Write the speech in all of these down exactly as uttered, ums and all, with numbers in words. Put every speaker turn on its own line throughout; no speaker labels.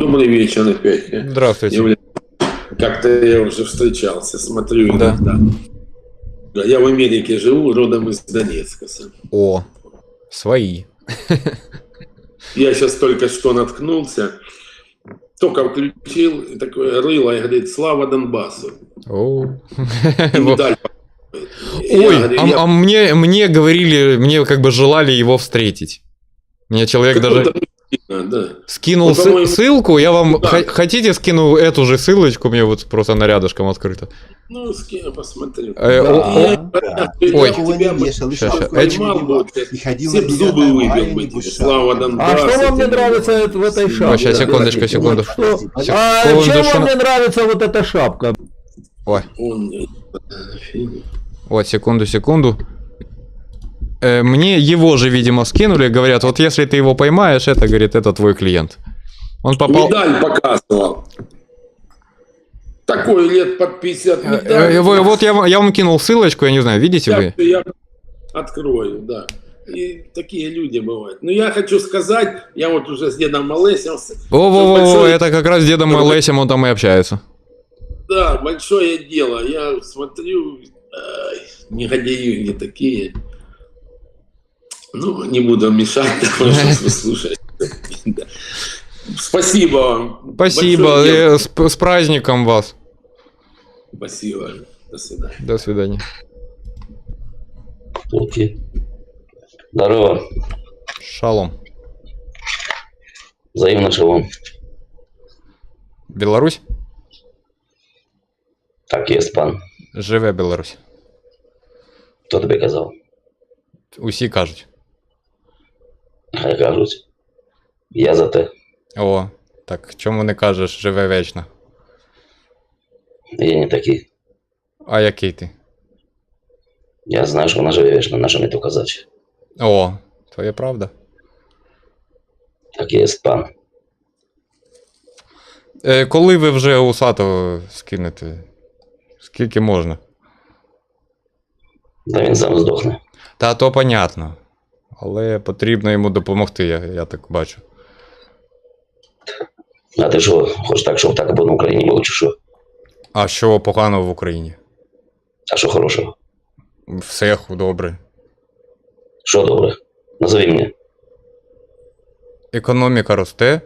Добрый вечер опять.
Здравствуйте.
Я, как-то я уже встречался, смотрю
Да.
иногда. Я в Америке живу, родом из Донецка.
О, свои.
Я сейчас только что наткнулся, только включил, и такое рыло, и говорит: слава Донбассу.
О.
И медаль.
Ой,
говорю,
а,
я...
а мне, мне говорили, мне как бы желали его встретить. Мне человек даже
да.
скинул
вот,
сы- ссылку, я вам
да.
х- хотите скину эту же ссылочку, мне вот просто она рядышком открыта.
Ну, скину, посмотрю.
Э,
да,
о-
я,
о-
я,
Ой.
я тебя бы
Щас, щас.
поймал бы, все б зубы выбил бы тебе. Слава Донбассу.
А что вам не нравится в этой шапке?
Ой, сейчас, секундочку, секунду.
Что?
Секунду,
А чем
что-
вам не нравится вот эта шапка?
Ой,
Он...
вот, секунду, секунду. Э, Мне его же, видимо, скинули, говорят, вот если ты его поймаешь, это, говорит, это твой клиент. Он попал...
Медаль показывал. Такой лет под пятьдесят
Э,
медаль.
э, вы- Вот я, вам- я вам кинул ссылочку, я не знаю, видите
Я,
вы?
я открою, да. И такие люди бывают. Но я хочу сказать, я вот уже с дедом Олесем...
Во-во-во,
большое-
это как раз с дедом Лесем, он там и общается.
Да, большое дело. Я смотрю, ай, негодяи не такие. Ну, не буду мешать, потому что слушать. Спасибо вам.
Спасибо,
Большое дело.
э, с, с праздником вас.
Спасибо. До свидания.
До свидания.
Окей. Здорово.
Шалом.
Взаимно шалом.
Білорусь?
Так є, пан.
Живе Білорусь.
Хто тобі казав?
Усі кажуть.
Хай кажуть. Я за те.
О, так чому не кажеш, живе вечно?
Я не такий.
А який ти?
Я знаю, що вона живе вічно, на що мені то казати.
О, то є правда.
Так є, пан.
Е, коли ви вже усатого скинете? Скільки можна?
Та він сам здохне.
Та то понятно. Але потрібно йому допомогти, я, я так бачу.
А ти що, хочеш так, щоб так або на Україні було, чи що?
А що поганого в Україні?
А що хорошого?
Все добре.
Що добре? Назови мені.
Економіка росте.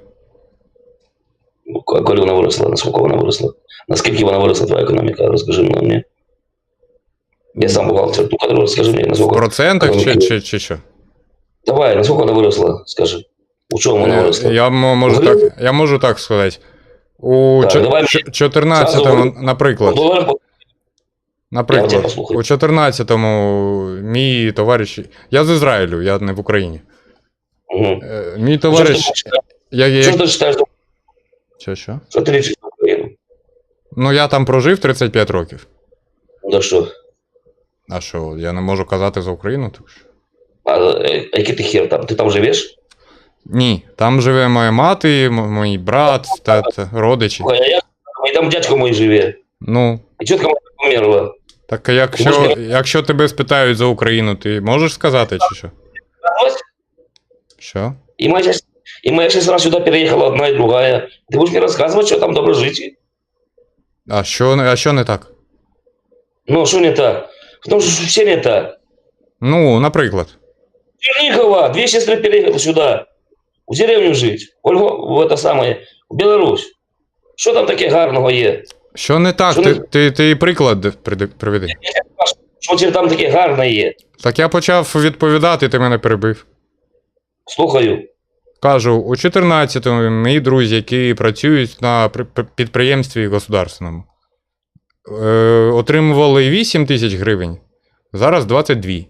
А коли вона виросла? Наскільки вона виросла? Наскільки вона виросла, твоя економіка? Розкажи мені. Я сам бухгалтер, ну, коли розкажи мені,
В
наскільки...
процентах чи,
економіка-
чи, чи що?
Давай, наскільки вона виросла, скажи. У чому вона
Е,
виросла?
Я, м- можу так, я можу так сказати. У
Так,
чо-
давай
чо- чотирнадцятому,
Зразу-
наприклад,
Говоримо по- Я
наприклад,
тебе послухаю.
у чотирнадцятому мій товариш, я з Ізраїлю, я не в Україні.
Мгм.
Е, Мій
Що
товариш,
ж ти читаєш?
я,
Що
я,
ж ти читаєш?
що, що?
Що ти лічиш на Україну?
Ну я там прожив тридцять п'ять років.
Ну так що?
А що, я не можу казати за Україну? Так що?
А е, який ти хер там? Ти там живеш?
Ні, там живе моя мати, м- мій брат, тат, родичі.
Слухай, а я і там дядько мій живе.
Ну,
І чітко мама померла.
так а якщо, якщо тебе спитають за Україну, ти можеш сказати чи що?
Ось.
Що?
И моя, щас- и моя сестра сюда переехала, одна и другая. Ты будешь мне рассказывать, что там добро жить?
А що, не- а що не так?
Ну, что не так? Потому что все не так.
Ну, наприклад.
Чернигова, две сестры переехали сюда. В деревню жить. Ольгу, в это самое, в Беларусь. Что там таке гарного є?
Що не так?
Що
Ти,
не-
ти, ти приклад приди- приведи.
Що тебе там таке гарне є?
Так я почав відповідати, ти мене перебив.
Слухаю.
Кажу, у чотирнадцятому мої друзі, які працюють на при- при- підприємстві государственному, е, отримували вісім тисяч гривень, зараз двадцять дві.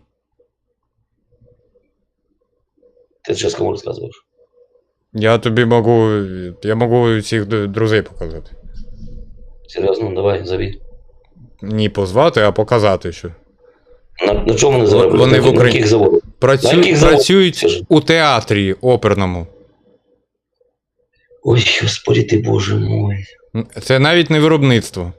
Ти зараз кому розказуєш?
Я тобі можу, я можу всіх д- друзей показати.
Серйозно, давай, зови.
Не позвати, а показати, що.
На, на чому вони заробляють?
Вони
на,
в
на
Україні.
яких заводах?
Працю...
На яких заводах?
Працюють
Скажи.
у театрі оперному.
Ой, Господи ти, Боже мой.
Це навіть не виробництво.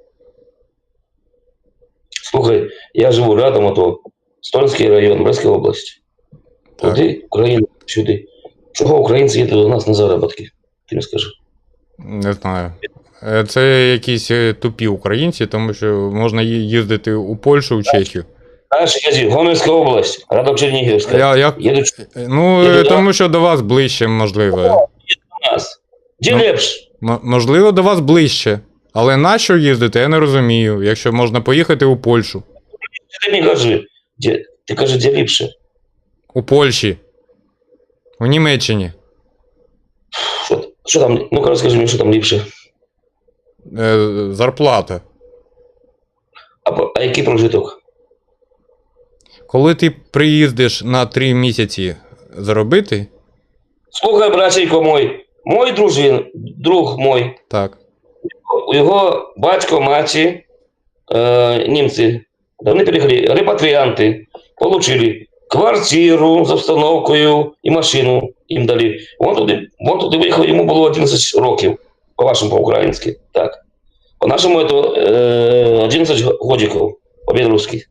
Слухай, я живу рядом, а то Стольський район, Брестська область.
Так.
Туди, Україна, сюди. Чого українці їдуть до нас на заробітки? Ти мені скажи.
Не знаю. Е, Це якісь е, тупі українці, тому що можна ї- їздити у Польщу, у Чехію.
Дальше ездил. Гомельская область, городок Черниговская.
Я, я,
Едут
ну,
Їду
е,
до-
тому що до вас ближче, можливо.
у нас. Где
Ну.
лепш?
М- можливо, до вас ближче. Але на що їздити, я не розумію, якщо можна поїхати у Польщу.
Ты не кажи. Где? Ты кажи, где лепше?
У Польщі. У Німеччині.
Что, что там? Ну-ка расскажи мне, что там лепше.
Е, зарплата.
А, по- а який прожиток?
Коли ти приїздиш на три місяці заробити,
Слухай, братченько мой, мой дружин, друг мой,
так.
у його батько, маті, е, німці, вони приїхали, репатріанти, получили квартиру з обстановкою і машину їм дали. Вон туди, вон туди виїхав, йому було одинадцять років, по-вашому, по-українськи, так. По-нашому це е, одинадцять годиків, по-білоруськи.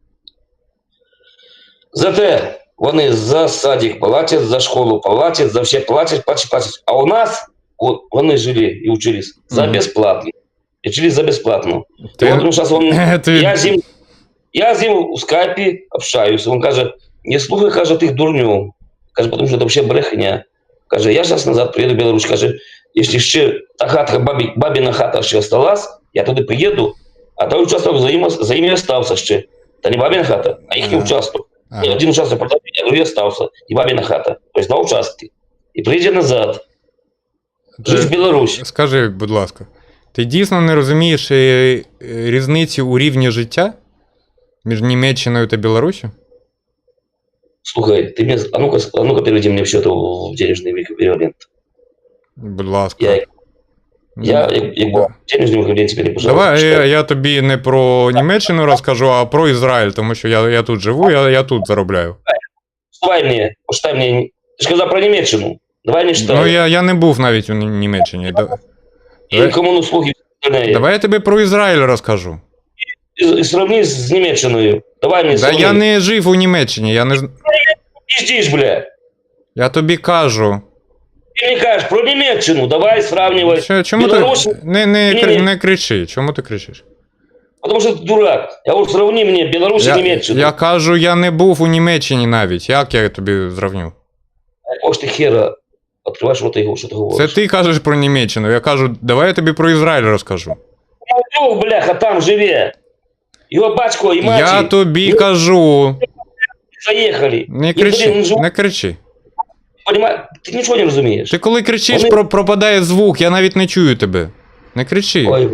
Зате вони за садик платять, за школу платять, за все платять, платять, платять. А у нас от, вони жили і учились за
Мгм.
безплатно. И учились за бесплатно.
Ти-
И вот он сейчас, он,
Ти-
я, з ним, я з ним у скайпі общаюсь. Он каже, не слухай, каже, тих дурню. Каже, потому що це взагалі брехня. Каже, я зараз назад приїду в Білорусь. Каже, якщо ще та хатка, бабі, бабіна хата ще осталась, я туди приїду, а той участок за ним, за ним і остався ще. Та не бабіна хата, а їхній
Ага.
участок.
Ага.
И один участок продал, а другой остался. И бабина хата. То есть два участки. И приедет назад. Жить в Беларусь.
Скажи, будь ласка, ти дійсно не розумієш е, е, різниці у рівні життя між Німеччиною та Білоруссю?
Слухай, ты мне... А ну-ка, а ну-ка переведи мне в счет в денежный эквивалент.
Будь ласка.
Я, я, я, я
Да.
денежный эквивалент теперь, пожалуйста.
Давай я,
читай.
я тобі не про Німеччину розкажу, а про Ізраїль, тому що я, я тут живу, я, я тут заробляю.
Давай мне, почитай мне... Ты же сказал про Немеччину. Давай мне читай.
Ну, я, я не був навіть у Ні- Німеччині. Да-
И кому услуги остальные.
Давай я тобі про Ізраїль розкажу.
И, и сравни с Немеччиной. Давай мне
Да
сравни.
я не жив у Німеччині, я не з-
Пиздишь, бля.
я тобі кажу.
Ты мне кажешь про Немеччину. Давай сравнивай.
Що, чому
Білорусь-
ти не, не,
Ні,
кри-
ні.
не кричи? Чому ти кричиш?
Потому что ты дурак. Я вот сравни мне Беларусь и
Я,
Немеччину.
я кажу, я не був у Німеччині навіть. Як я тобі зравню?
Ось ти хера відкриваєш рота його, що ти
Це
говориш.
ти кажеш про Німеччину. Я кажу, давай я тобі про Ізраїль розкажу.
Друг, бляха, там живе. Його батько і маті
Я тобі
Ну,
кажу.
заїхали.
Не
І,
кричи,
блін, жив-
не кричи.
Понимаєш, ти нічого не розумієш.
Ти коли кричиш,
Вони-
про, пропадає звук, я навіть не чую тебе. Не кричи.
Ой,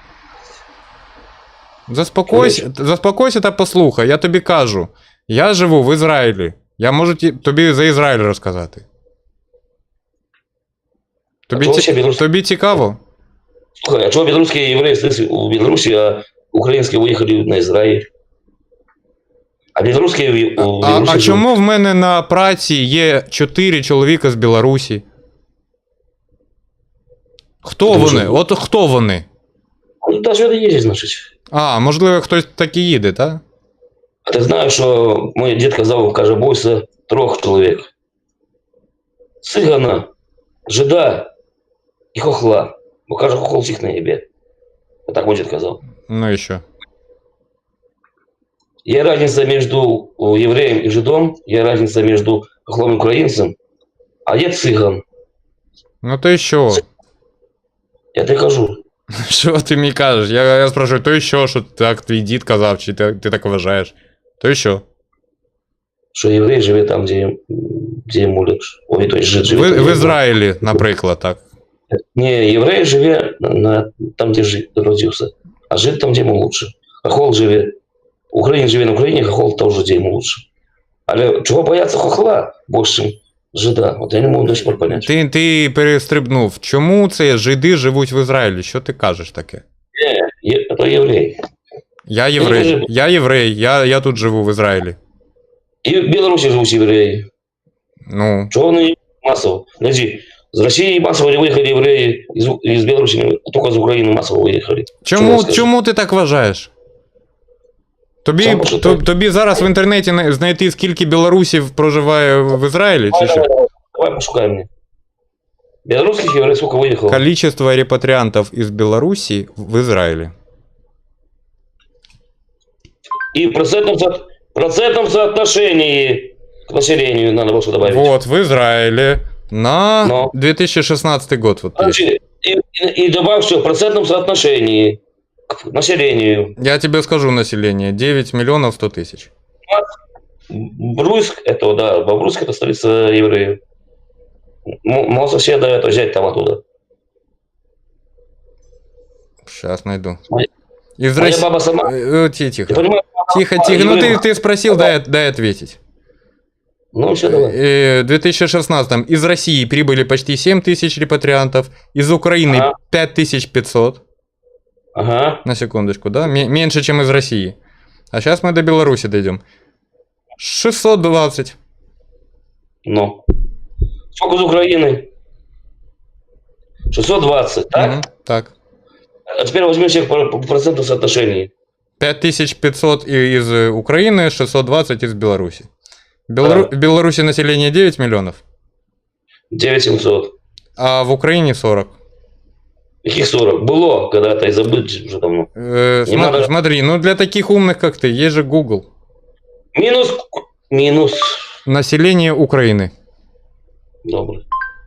Заспокойся, заспокойся та послухай, я тобі кажу. Я живу в Ізраїлі. Я можу ті- тобі за Ізраїль розказати. Тобі,
чого
ці-
ще білорус-
тобі цікаво?
слухай, а чого білоруські євреї остались у Білорусі, а українські виїхали на Ізраїль? А білоруські у
А,
Білорусі
а
живуть.
чому в мене на праці є чотири чоловіка з Білорусі? Хто
Тому
вони?
що-
От хто вони?
Ну, та що ти їздиш, значить.
А, можливо, хтось так і їде, так?
А ти знаєш, що мій дід казав, каже, бойся трьох чоловік. Цигана, жида і хохла. Бо каже, хохол всіх наїбе. Так мій дід казав.
Ну і що?
Є різниця між євреєм і жидом, є різниця між хохлом і українцем, а є циган.
Ну то і що?
Я тобі кажу.
Що ти мені кажеш? Я, я спрашиваю, то і що, що так твій дід казав, чи ти, ти так вважаєш? То і що?
Що єврей живе там, де, де йому легше. Ой, той жид живе.
В,
там, де
в
йому-
Ізраїлі, наприклад, так.
Ні, єврей живе на, на, там, де жид родився, а жид там, де йому лучше. Хохол живе, українець живе на Україні, хохол теж, де йому лучше. Але чого бояться хохла більше, ніж жида? От я не можу до сих пор понять.
Ти, ти перестрибнув. Чому це жиди живуть в Ізраїлі? Що ти кажеш таке?
Є, це єврей.
Я
не
єврей.
кажи.
Я єврей, я, я тут живу в Ізраїлі.
І в Білорусі живуть євреї.
Ну.
Чего они массово? Подожди, с России массово не выехали евреи, из, из Беларуси, а только из Украины массово выехали.
Чому,
скажу?
чому ти так вважаєш? Тобі,
Сам що
то-
так.
тобі зараз в інтернеті на- знайти, скільки білорусів проживає в Ізраїлі, чи
Давай,
що?
давай, давай, давай пошукай мне. Белорусских евреев сколько выехало?
Количество репатриантов из Беларуси в Израиле.
И в процентном, со... процентном соотношении к населению надо было что добавить.
Вот, в Израиле на
Но.
две тысячи шестнадцатый год. Вот есть.
Значит, и, и, и добавь все в процентном соотношении к населению.
Я тебе скажу население. девять миллионов сто тысяч.
Бруйск, это, да, Бобруйск, это столица евреев. М- Моего соседа это взять там оттуда.
Сейчас найду.
Моя-
Из
Моя
России...
баба сама,
Э, э, ти- Тихо.
ты понимаешь?
Тихо,
а,
тихо. Ну ты,
евреев-
ты спросил, дай, дай ответить.
Ну, все, давай.
Э, В две тысячи шестнадцатом из России прибыли почти семь тысяч репатриантов, из Украины
Ага.
пять тысяч пятьсот,
Ага.
на секундочку, да, М- меньше, чем из России. А сейчас мы до Беларуси дойдем. шестьсот двадцать.
Ну. Сколько из Украины? шестьсот двадцать, так?
Мгм, так.
А теперь возьми всех по по проценту соотношений.
пять тысяч пятьсот и- из э, Украины, шестьсот двадцать из Беларуси. Белору-
Да.
В Беларуси население девять миллионов,
девять семьсот.
а в Украине сорок.
Каких сорок? Было когда-то и забыть уже давно.
Э,
Не
сма-
надо-
Смотри, ну для таких умных, как ты, есть же Google.
Минус. Минус.
Население Украины.
Добрый.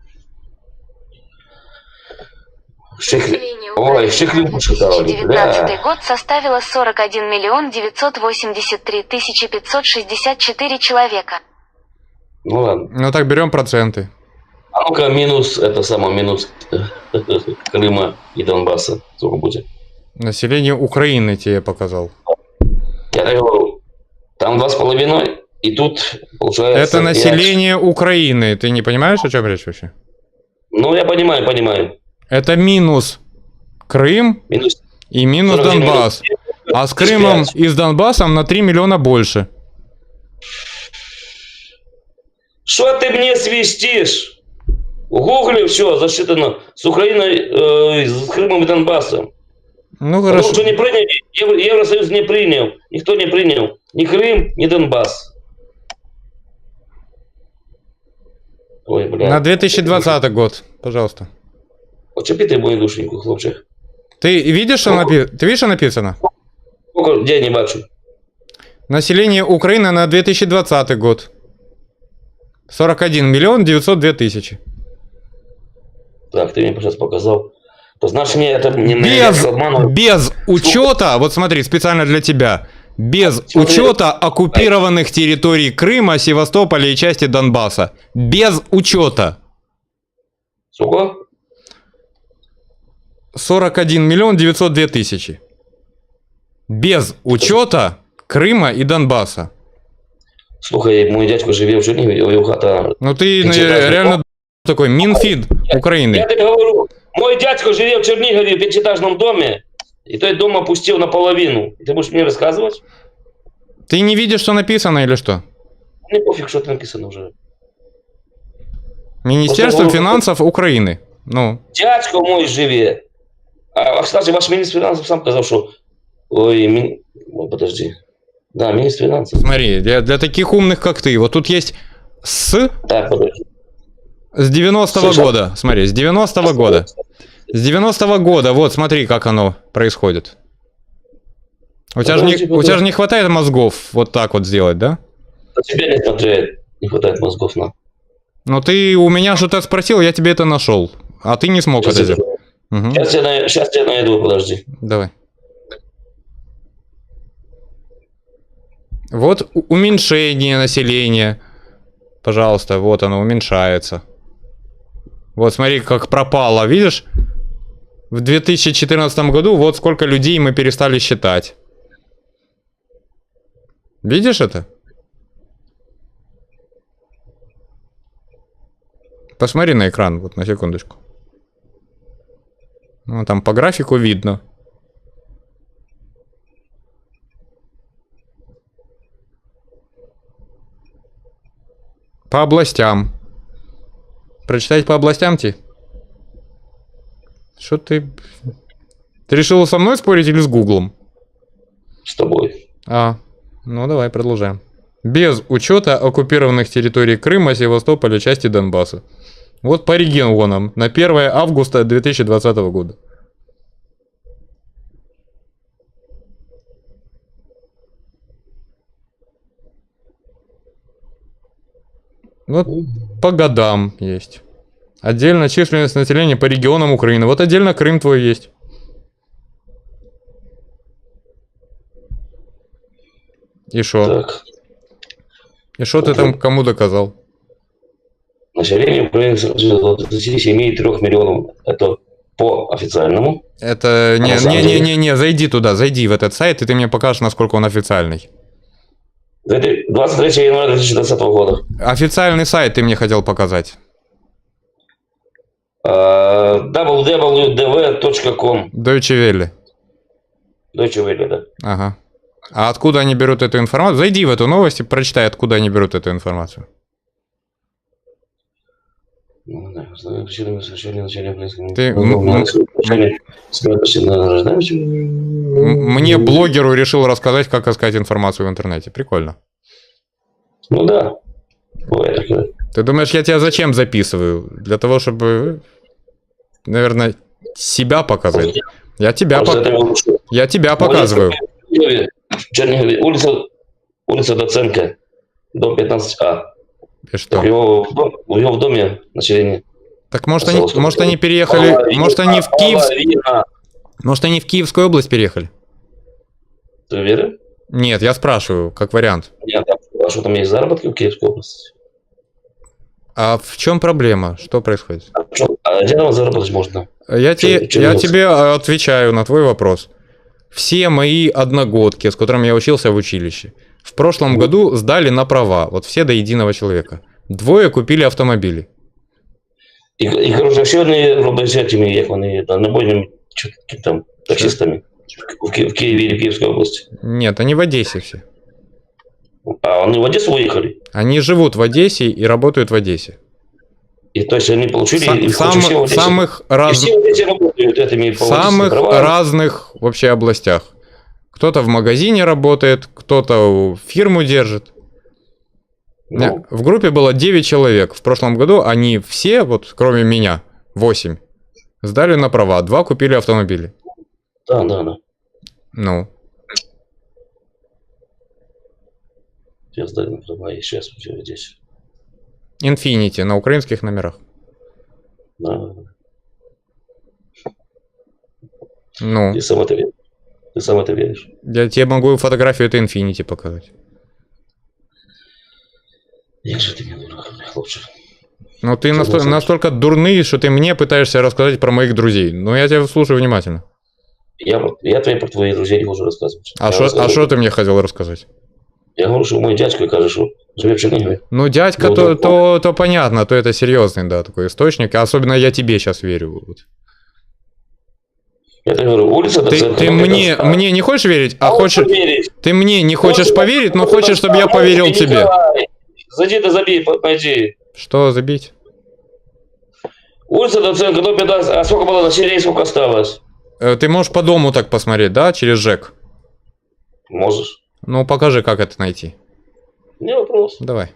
Ших...
Население
Ой,
Украины
шихлю
на
почитал.
две тысячи девятнадцатый год составило сорок один миллион девятьсот восемьдесят три тысячи пятьсот шестьдесят четыре человека.
Ну ладно.
Ну так берем проценты.
А ну-ка, минус, это самое, минус Крыма и Донбасса. Сколько будет?
Население Украины тебе показал.
Я так говорю, там два с половиной, и тут получается...
Это
пять.
население Украины. Ты не понимаешь, о чем речь вообще?
Ну, я понимаю, понимаю.
Это минус Крым
Минус
и минус
сорок один
Донбасс. А с Крымом и с Донбассом на три миллиона больше.
Что ты мне свистишь? В гугле все засчитано с Украиной, э, с Крымом и Донбассом.
Ну
Потому
хорошо.
что не приняли, Евро- Евросоюз не принял, никто не принял ни Крым, ни Донбасс. Ой, бля.
На две тысячи двадцатый год, пожалуйста.
Почепи ты мою душеньку, хлопчик.
Ты видишь, что напи- Ты видишь, что написано?
Сколько, где я не бачу?
Население Украины на две тысячи двадцатый год. сорок один миллион девятьсот две тысячи.
Так, ты мне сейчас показал. То значит, мне это не
Без,
не обманывают.
без учета, вот смотри, специально для тебя, без
Смотри.
учета оккупированных территорий Крыма, Севастополя и части Донбасса. Без учета.
Сколько?
сорок один миллион девятьсот две тысячи. Без учета Крыма и Донбасса.
Слухай, мой дядько живе в Чернигове, його хата.
Ну ты
Ты
ну,
читаешь,
реально такой Минфид
Я
Украины.
тебе говорю, мой дядько живе в Чернигове в пятиэтажном доме, и той дом опустил наполовину. И ты будешь мне рассказывать?
Ты не видишь, что написано или что?
Мне пофиг, что там написано уже.
Министерство
Просто-
финансов Украины. Ну,
Дядько мой живе. А, а, кстати, ваш министр финансов сам сказал, что... Ой, ми... Ой, подожди. Да, министр финансов.
смотри, для, для таких умных, как ты, вот тут есть с
Так, подожди.
с девяностого
Слушай,
года. Смотри, с девяностого года. С девяностого года, вот смотри, как оно происходит. У тебя, же не,
Подожди,
у тебя же не хватает мозгов вот так вот сделать, да?
А тебе не хватает, не хватает мозгов на.
Ну ты у меня что-то спросил, я тебе это нашел. А ты не смог
Сейчас,
это
я,
сделать. Мгм.
сейчас, я, на- сейчас я найду, подожди.
Давай. Вот у- уменьшение населения. Пожалуйста, вот оно уменьшается. Вот смотри, как пропало, видишь? В две тысячи четырнадцатом году вот сколько людей мы перестали считать. Видишь это? Посмотри на экран, вот на секундочку. Ну, там по графику видно. По областям. Прочитать по областям, Ти? Что ты... Ты решил со мной спорить или с Гуглом?
С тобой.
А, ну давай, продолжаем. Без учета оккупированных территорий Крыма, Севастополя, части Донбасса. Вот по регионам на первое августа две тысячи двадцатого года. Вот по годам есть. Отдельно численность населения по регионам Украины. Вот отдельно Крым твой есть. И шо?
Так.
И шо ты там кому доказал?
Население Украины от двадцати семи и трёх миллионов. Это по официальному.
Это...
на самом деле-
Не-не-не-не, зайди туда, зайди в этот сайт, и ты мне покажешь, насколько он официальный.
двадцать третьего января две тысячи двадцатого года.
Официальный сайт ты мне хотел показать.
дабл ю дабл ю дабл ю точка ком.
Deutsche Welle.
Deutsche Welle, да.
Ага. А откуда они берут эту информацию? Зайди в эту новость и прочитай, откуда они берут эту информацию.
Ну, да, знаю, причинами совершения начала близкого.
Ты-
Ну,
м-
надо сказать, смертности на рождаемости.
М- Мне блогеру решил рассказать, как искать информацию в интернете. Прикольно.
Ну да. Бывает такое.
Ты думаешь, я тебя зачем записываю? Для того, чтобы, наверное, себя показать. Я тебя,
Просто
по-
это лучше.
я тебя показываю.
В Чернигове, улица, улица Доценко, дом пятнадцать А.
И что?
У него, в дом- у него в доме население.
Так может они,
Пожалуйста.
может они переехали,
Половина,
может они в Киев,
половина.
может они в Киевскую область переехали?
Ты уверен?
Нет, я спрашиваю, как вариант.
Нет, а что там есть заработки в Киевской области?
А в чем проблема? Что происходит?
А, что, а где там заработать можно?
Я, те,
чё
я
делать?
тебе отвечаю на твой вопрос. Все мои одногодки, с которыми я учился в училище, в прошлом году сдали на права. Вот все до единого человека. Двое купили автомобили.
І, і коротше, ще вони роблять цими, як вони там, набойними чо- там, таксистами в, Ки- в Києві или в Київській області.
Нет, они в Одессе все.
А вони в Одессу уехали.
Они живут в Одессе и работают в Одессе.
И то есть они получили,
Са-
и
сам-
короче, все в Одессе.
самых
И
раз...
все в Одессе работают этими
В
по
самых
водительским правам.
разных вообще областях. Кто-то в магазине работает, кто-то фирму держит.
Ну,
В группе было девять человек. В прошлом году они все, вот кроме меня, восемь, сдали на права. Два купили автомобили.
да, да, да.
Ну,
Я сдали на права, и сейчас все в Одессе.
Infiniti на украинских номерах.
Да, да, да.
Ну,
Ты сам это веришь. Ты сам это веришь.
я тебе могу фотографию этой Infiniti показать.
Як же ты мне дурак, хлопчик.
Ну, ты
Что
насто-
за-
настолько дурный, что ты мне пытаешься рассказать про моих друзей. Ну, я тебя слушаю внимательно.
Я, про- я тебе про твоих друзей не хочу рассказывать.
А
Я
что
рассказываю-
а что ты мне хотел рассказать?
Я говорю, что мой дядька, каже, что живет в Чернигове.
Ну, дядька,
Ну,
то,
да.
то, то понятно, то это серьезный, да, такой источник. А особенно я тебе сейчас верю. Вот.
Я тебе говорю, улица
Ты,
Доценко.
ты
дом
мне,
пятнадцать А.
мне не хочешь верить, а
А он
хочешь...
поверит.
Ты мне не хочешь
Вот,
поверить, но
вот,
хочешь, чтобы я
вот,
поверил
Николай,
тебе.
Зайди да забей, по- пойди.
Что забить?
Улица Доценко, дом пятнадцать. А сколько было населения, сколько осталось?
Э, Ты можешь по дому так посмотреть, да, через ЖЭК?
Можешь.
Ну, покажи, как это найти.
Не вопрос.
Давай.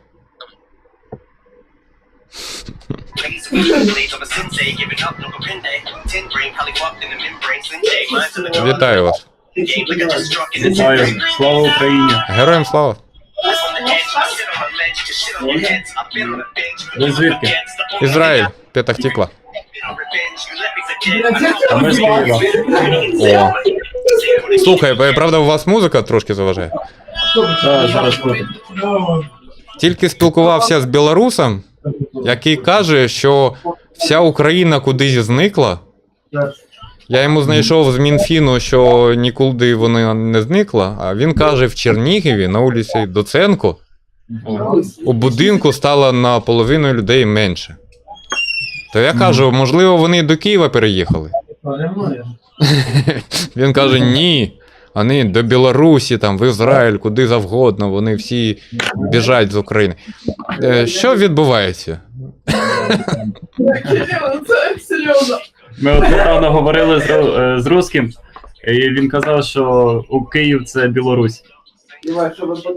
Вітаю вас.
Вітаю. Слава Україні.
Героям слава.
Ви звідки?
Ізраїль, Петах Тиква.
А ми з Києва.
О. Слухай, е, правда, у вас музика трошки заважає?
Так, зараз буде.
Тільки спілкувався з білорусом, який каже, що вся Україна кудись зникла. Я йому знайшов з Мінфіну, що нікуди вона не зникла, а він каже, в Чернігові на вулиці Доценко у будинку стало наполовину людей менше. То я кажу, можливо, вони до Києва переїхали. Він каже, ні. Вони до Білорусі, там, в Ізраїль, куди завгодно, вони всі біжать з України. Е, Що відбувається?
Ми от недавно говорили з, ру- е, з русським, і він казав, що у Київ це Білорусь.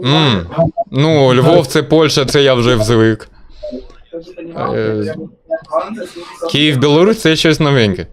М, Ну, Львов це Польща, це я вже звик. Е, Київ, Білорусь це щось новеньке.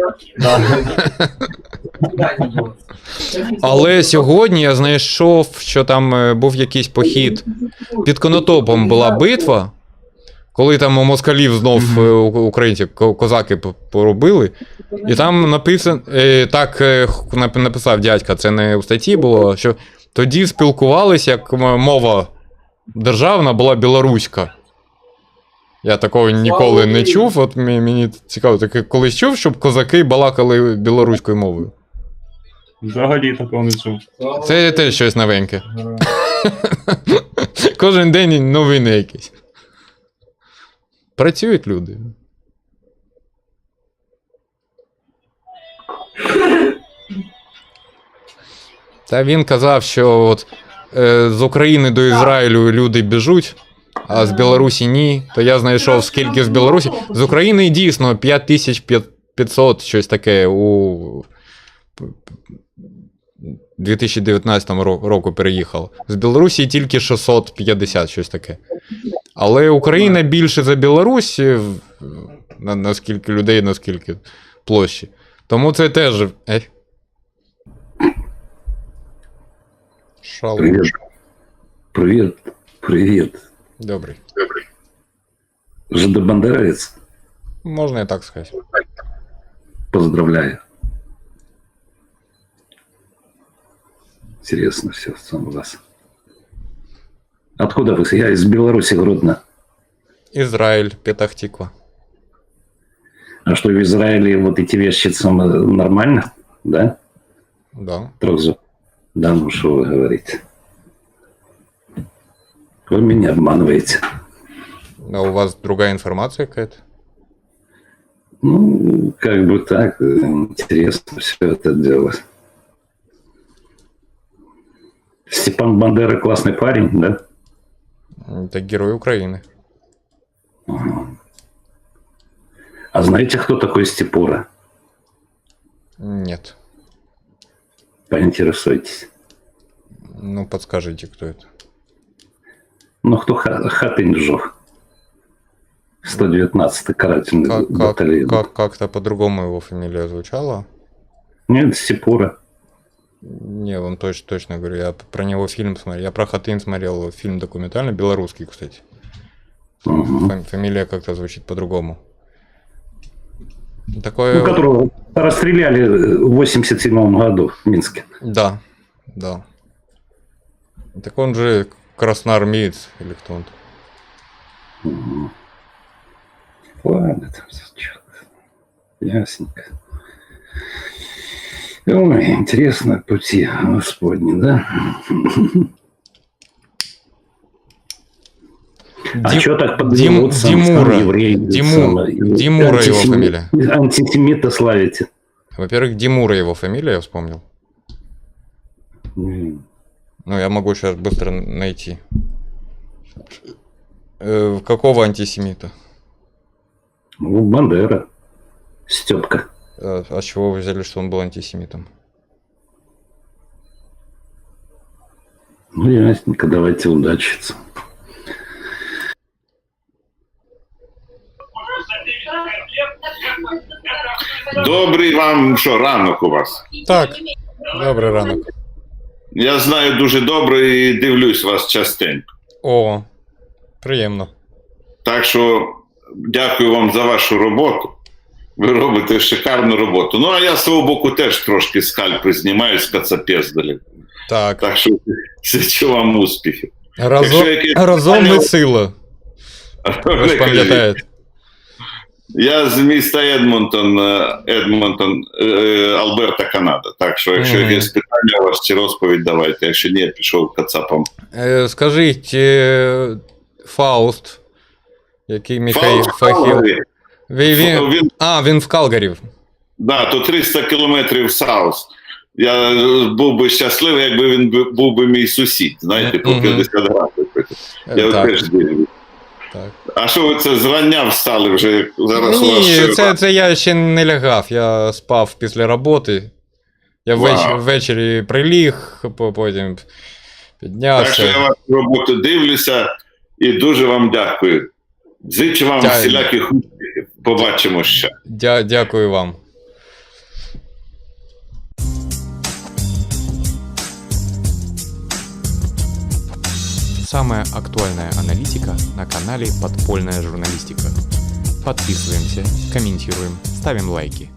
Але сьогодні я знайшов, що там е, був якийсь похід. Під Конотопом була битва, коли там у москалів знов е, у- українці, ко- козаки п- поробили. І там написано, е, так е, х- нап- написав дядька, це не у статті було, що тоді спілкувалися, як м- мова державна була білоруська. Я такого ніколи не чув, от мені, мені цікаво, ти колись чув, щоб козаки балакали білоруською мовою?
Взагалі такого не чув.
Це теж щось новеньке. Кожен день новини якісь. Працюють люди. Та він казав, що от, е, з України до Ізраїлю люди біжуть, а з Білорусі ні. То я знайшов, скільки з Білорусі. З України дійсно п'ять тисяч п'ятсот, щось таке у дві тисячі дев'ятнадцятому ро- року переїхав. З Білорусі тільки шістсот п'ятдесят, щось таке. Але Україна більше за Білорусь, в- на, наскільки людей, наскільки площі. Тому це теж. Е. Шал.
Привет. Привет. Привет.
Добрий.
Жидобандеровец.
Можна і так сказати.
Поздравляю. Интересно все у вас. Откуда вы? Я из Беларуси, Гродно.
Ізраїль, Петахтиква.
А что в Израиле вот эти вещи самое нормально? Да?
Да.
Трохзу. Да, ну что вы говорите? Вы меня обманываете.
А у вас другая информация какая-то?
Ну, как бы так, интересно все это дело. Степан Бандера классный парень, да?
Это герой Украины.
Ага. А знаете, кто такой Степура?
Нет.
Поинтересуйтесь.
Ну, подскажите, кто это.
Ну, кто ха- хатынь сжег? сто девятнадцатый карательный
Как, как,
батальон.
как, как-то по-другому его фамилия звучала.
Нет, Степура.
Не, он точно, точно говорю, я про него фильм смотрел. Я про Хатынь смотрел фильм документальный, белорусский, кстати.
Угу.
Фам- Фамилия как-то звучит по-другому. Такое...
Ну, которого расстреляли в восемьдесят седьмом году в Минске.
Да, да. Так он же красноармеец или кто он?
Угу. Ладно, там всё чё-то. Ясненько. Ой, интересно пути Господни, да? А
Дим-
что так
Дим-
подвигаться?
Димура.
еврей,
Диму-
самое,
Димура его
антисемит-
фамилия.
Антисемита славите.
Во-первых, Димура его фамилия, я вспомнил.
М.
Ну, я могу сейчас быстро найти. Э, какого антисемита?
Ну, Бандера. Степка.
А, а с чего вы взяли, что он был антисемитом?
Ну, ясненько, давайте удачиться.
Добрий вам що, ранок у вас?
Так, добрий ранок.
Я знаю дуже добре і дивлюсь вас частенько.
О, приємно.
Так що дякую вам за вашу роботу. Ви робите шикарну роботу. Ну, а я з свого боку теж трошки скальпи знімаю з кацапездалі.
Так,
Так що зичу вам успіхів.
разом,
якщо якесь
разом ми
питання-
сила. Ви ж пам'ятаєте.
Я з міста Едмонтон, е, Едмонтон, е, Альберта, Канада. Так що, якщо
Мгм.
якесь питання у вас чи розповідь, давайте. Якщо ні, я пішов кацапом.
Е, Скажіть, е, Фауст, який Михайло
Фауст
Фахіл.
Калгарі.
Він, він,
Він,
а, він в Калгарі.
да, то триста кілометрів Саус. Я е, був би щасливий, якби він бу- був би мій сусід, знаєте, по
Мгм.
п'ятдесят градусів.
Е,
Я
так,
теж дивлюсь.
так.
А що ви це зрання встали вже? Зараз у вас
Ні,
ще-
це, це я ще не лягав, я спав після роботи. Я
Вау.
ввеч- ввечері приліг, по- потім
Так що
піднявся.
я вашу роботу дивлюся і дуже вам дякую. Зичу вам
Дякую.
всіляких успіхів. Побачимо ще.
Дя- дякую вам. Самая актуальная аналитика на канале «Подпольная журналистика». Подписываемся, комментируем, ставим лайки.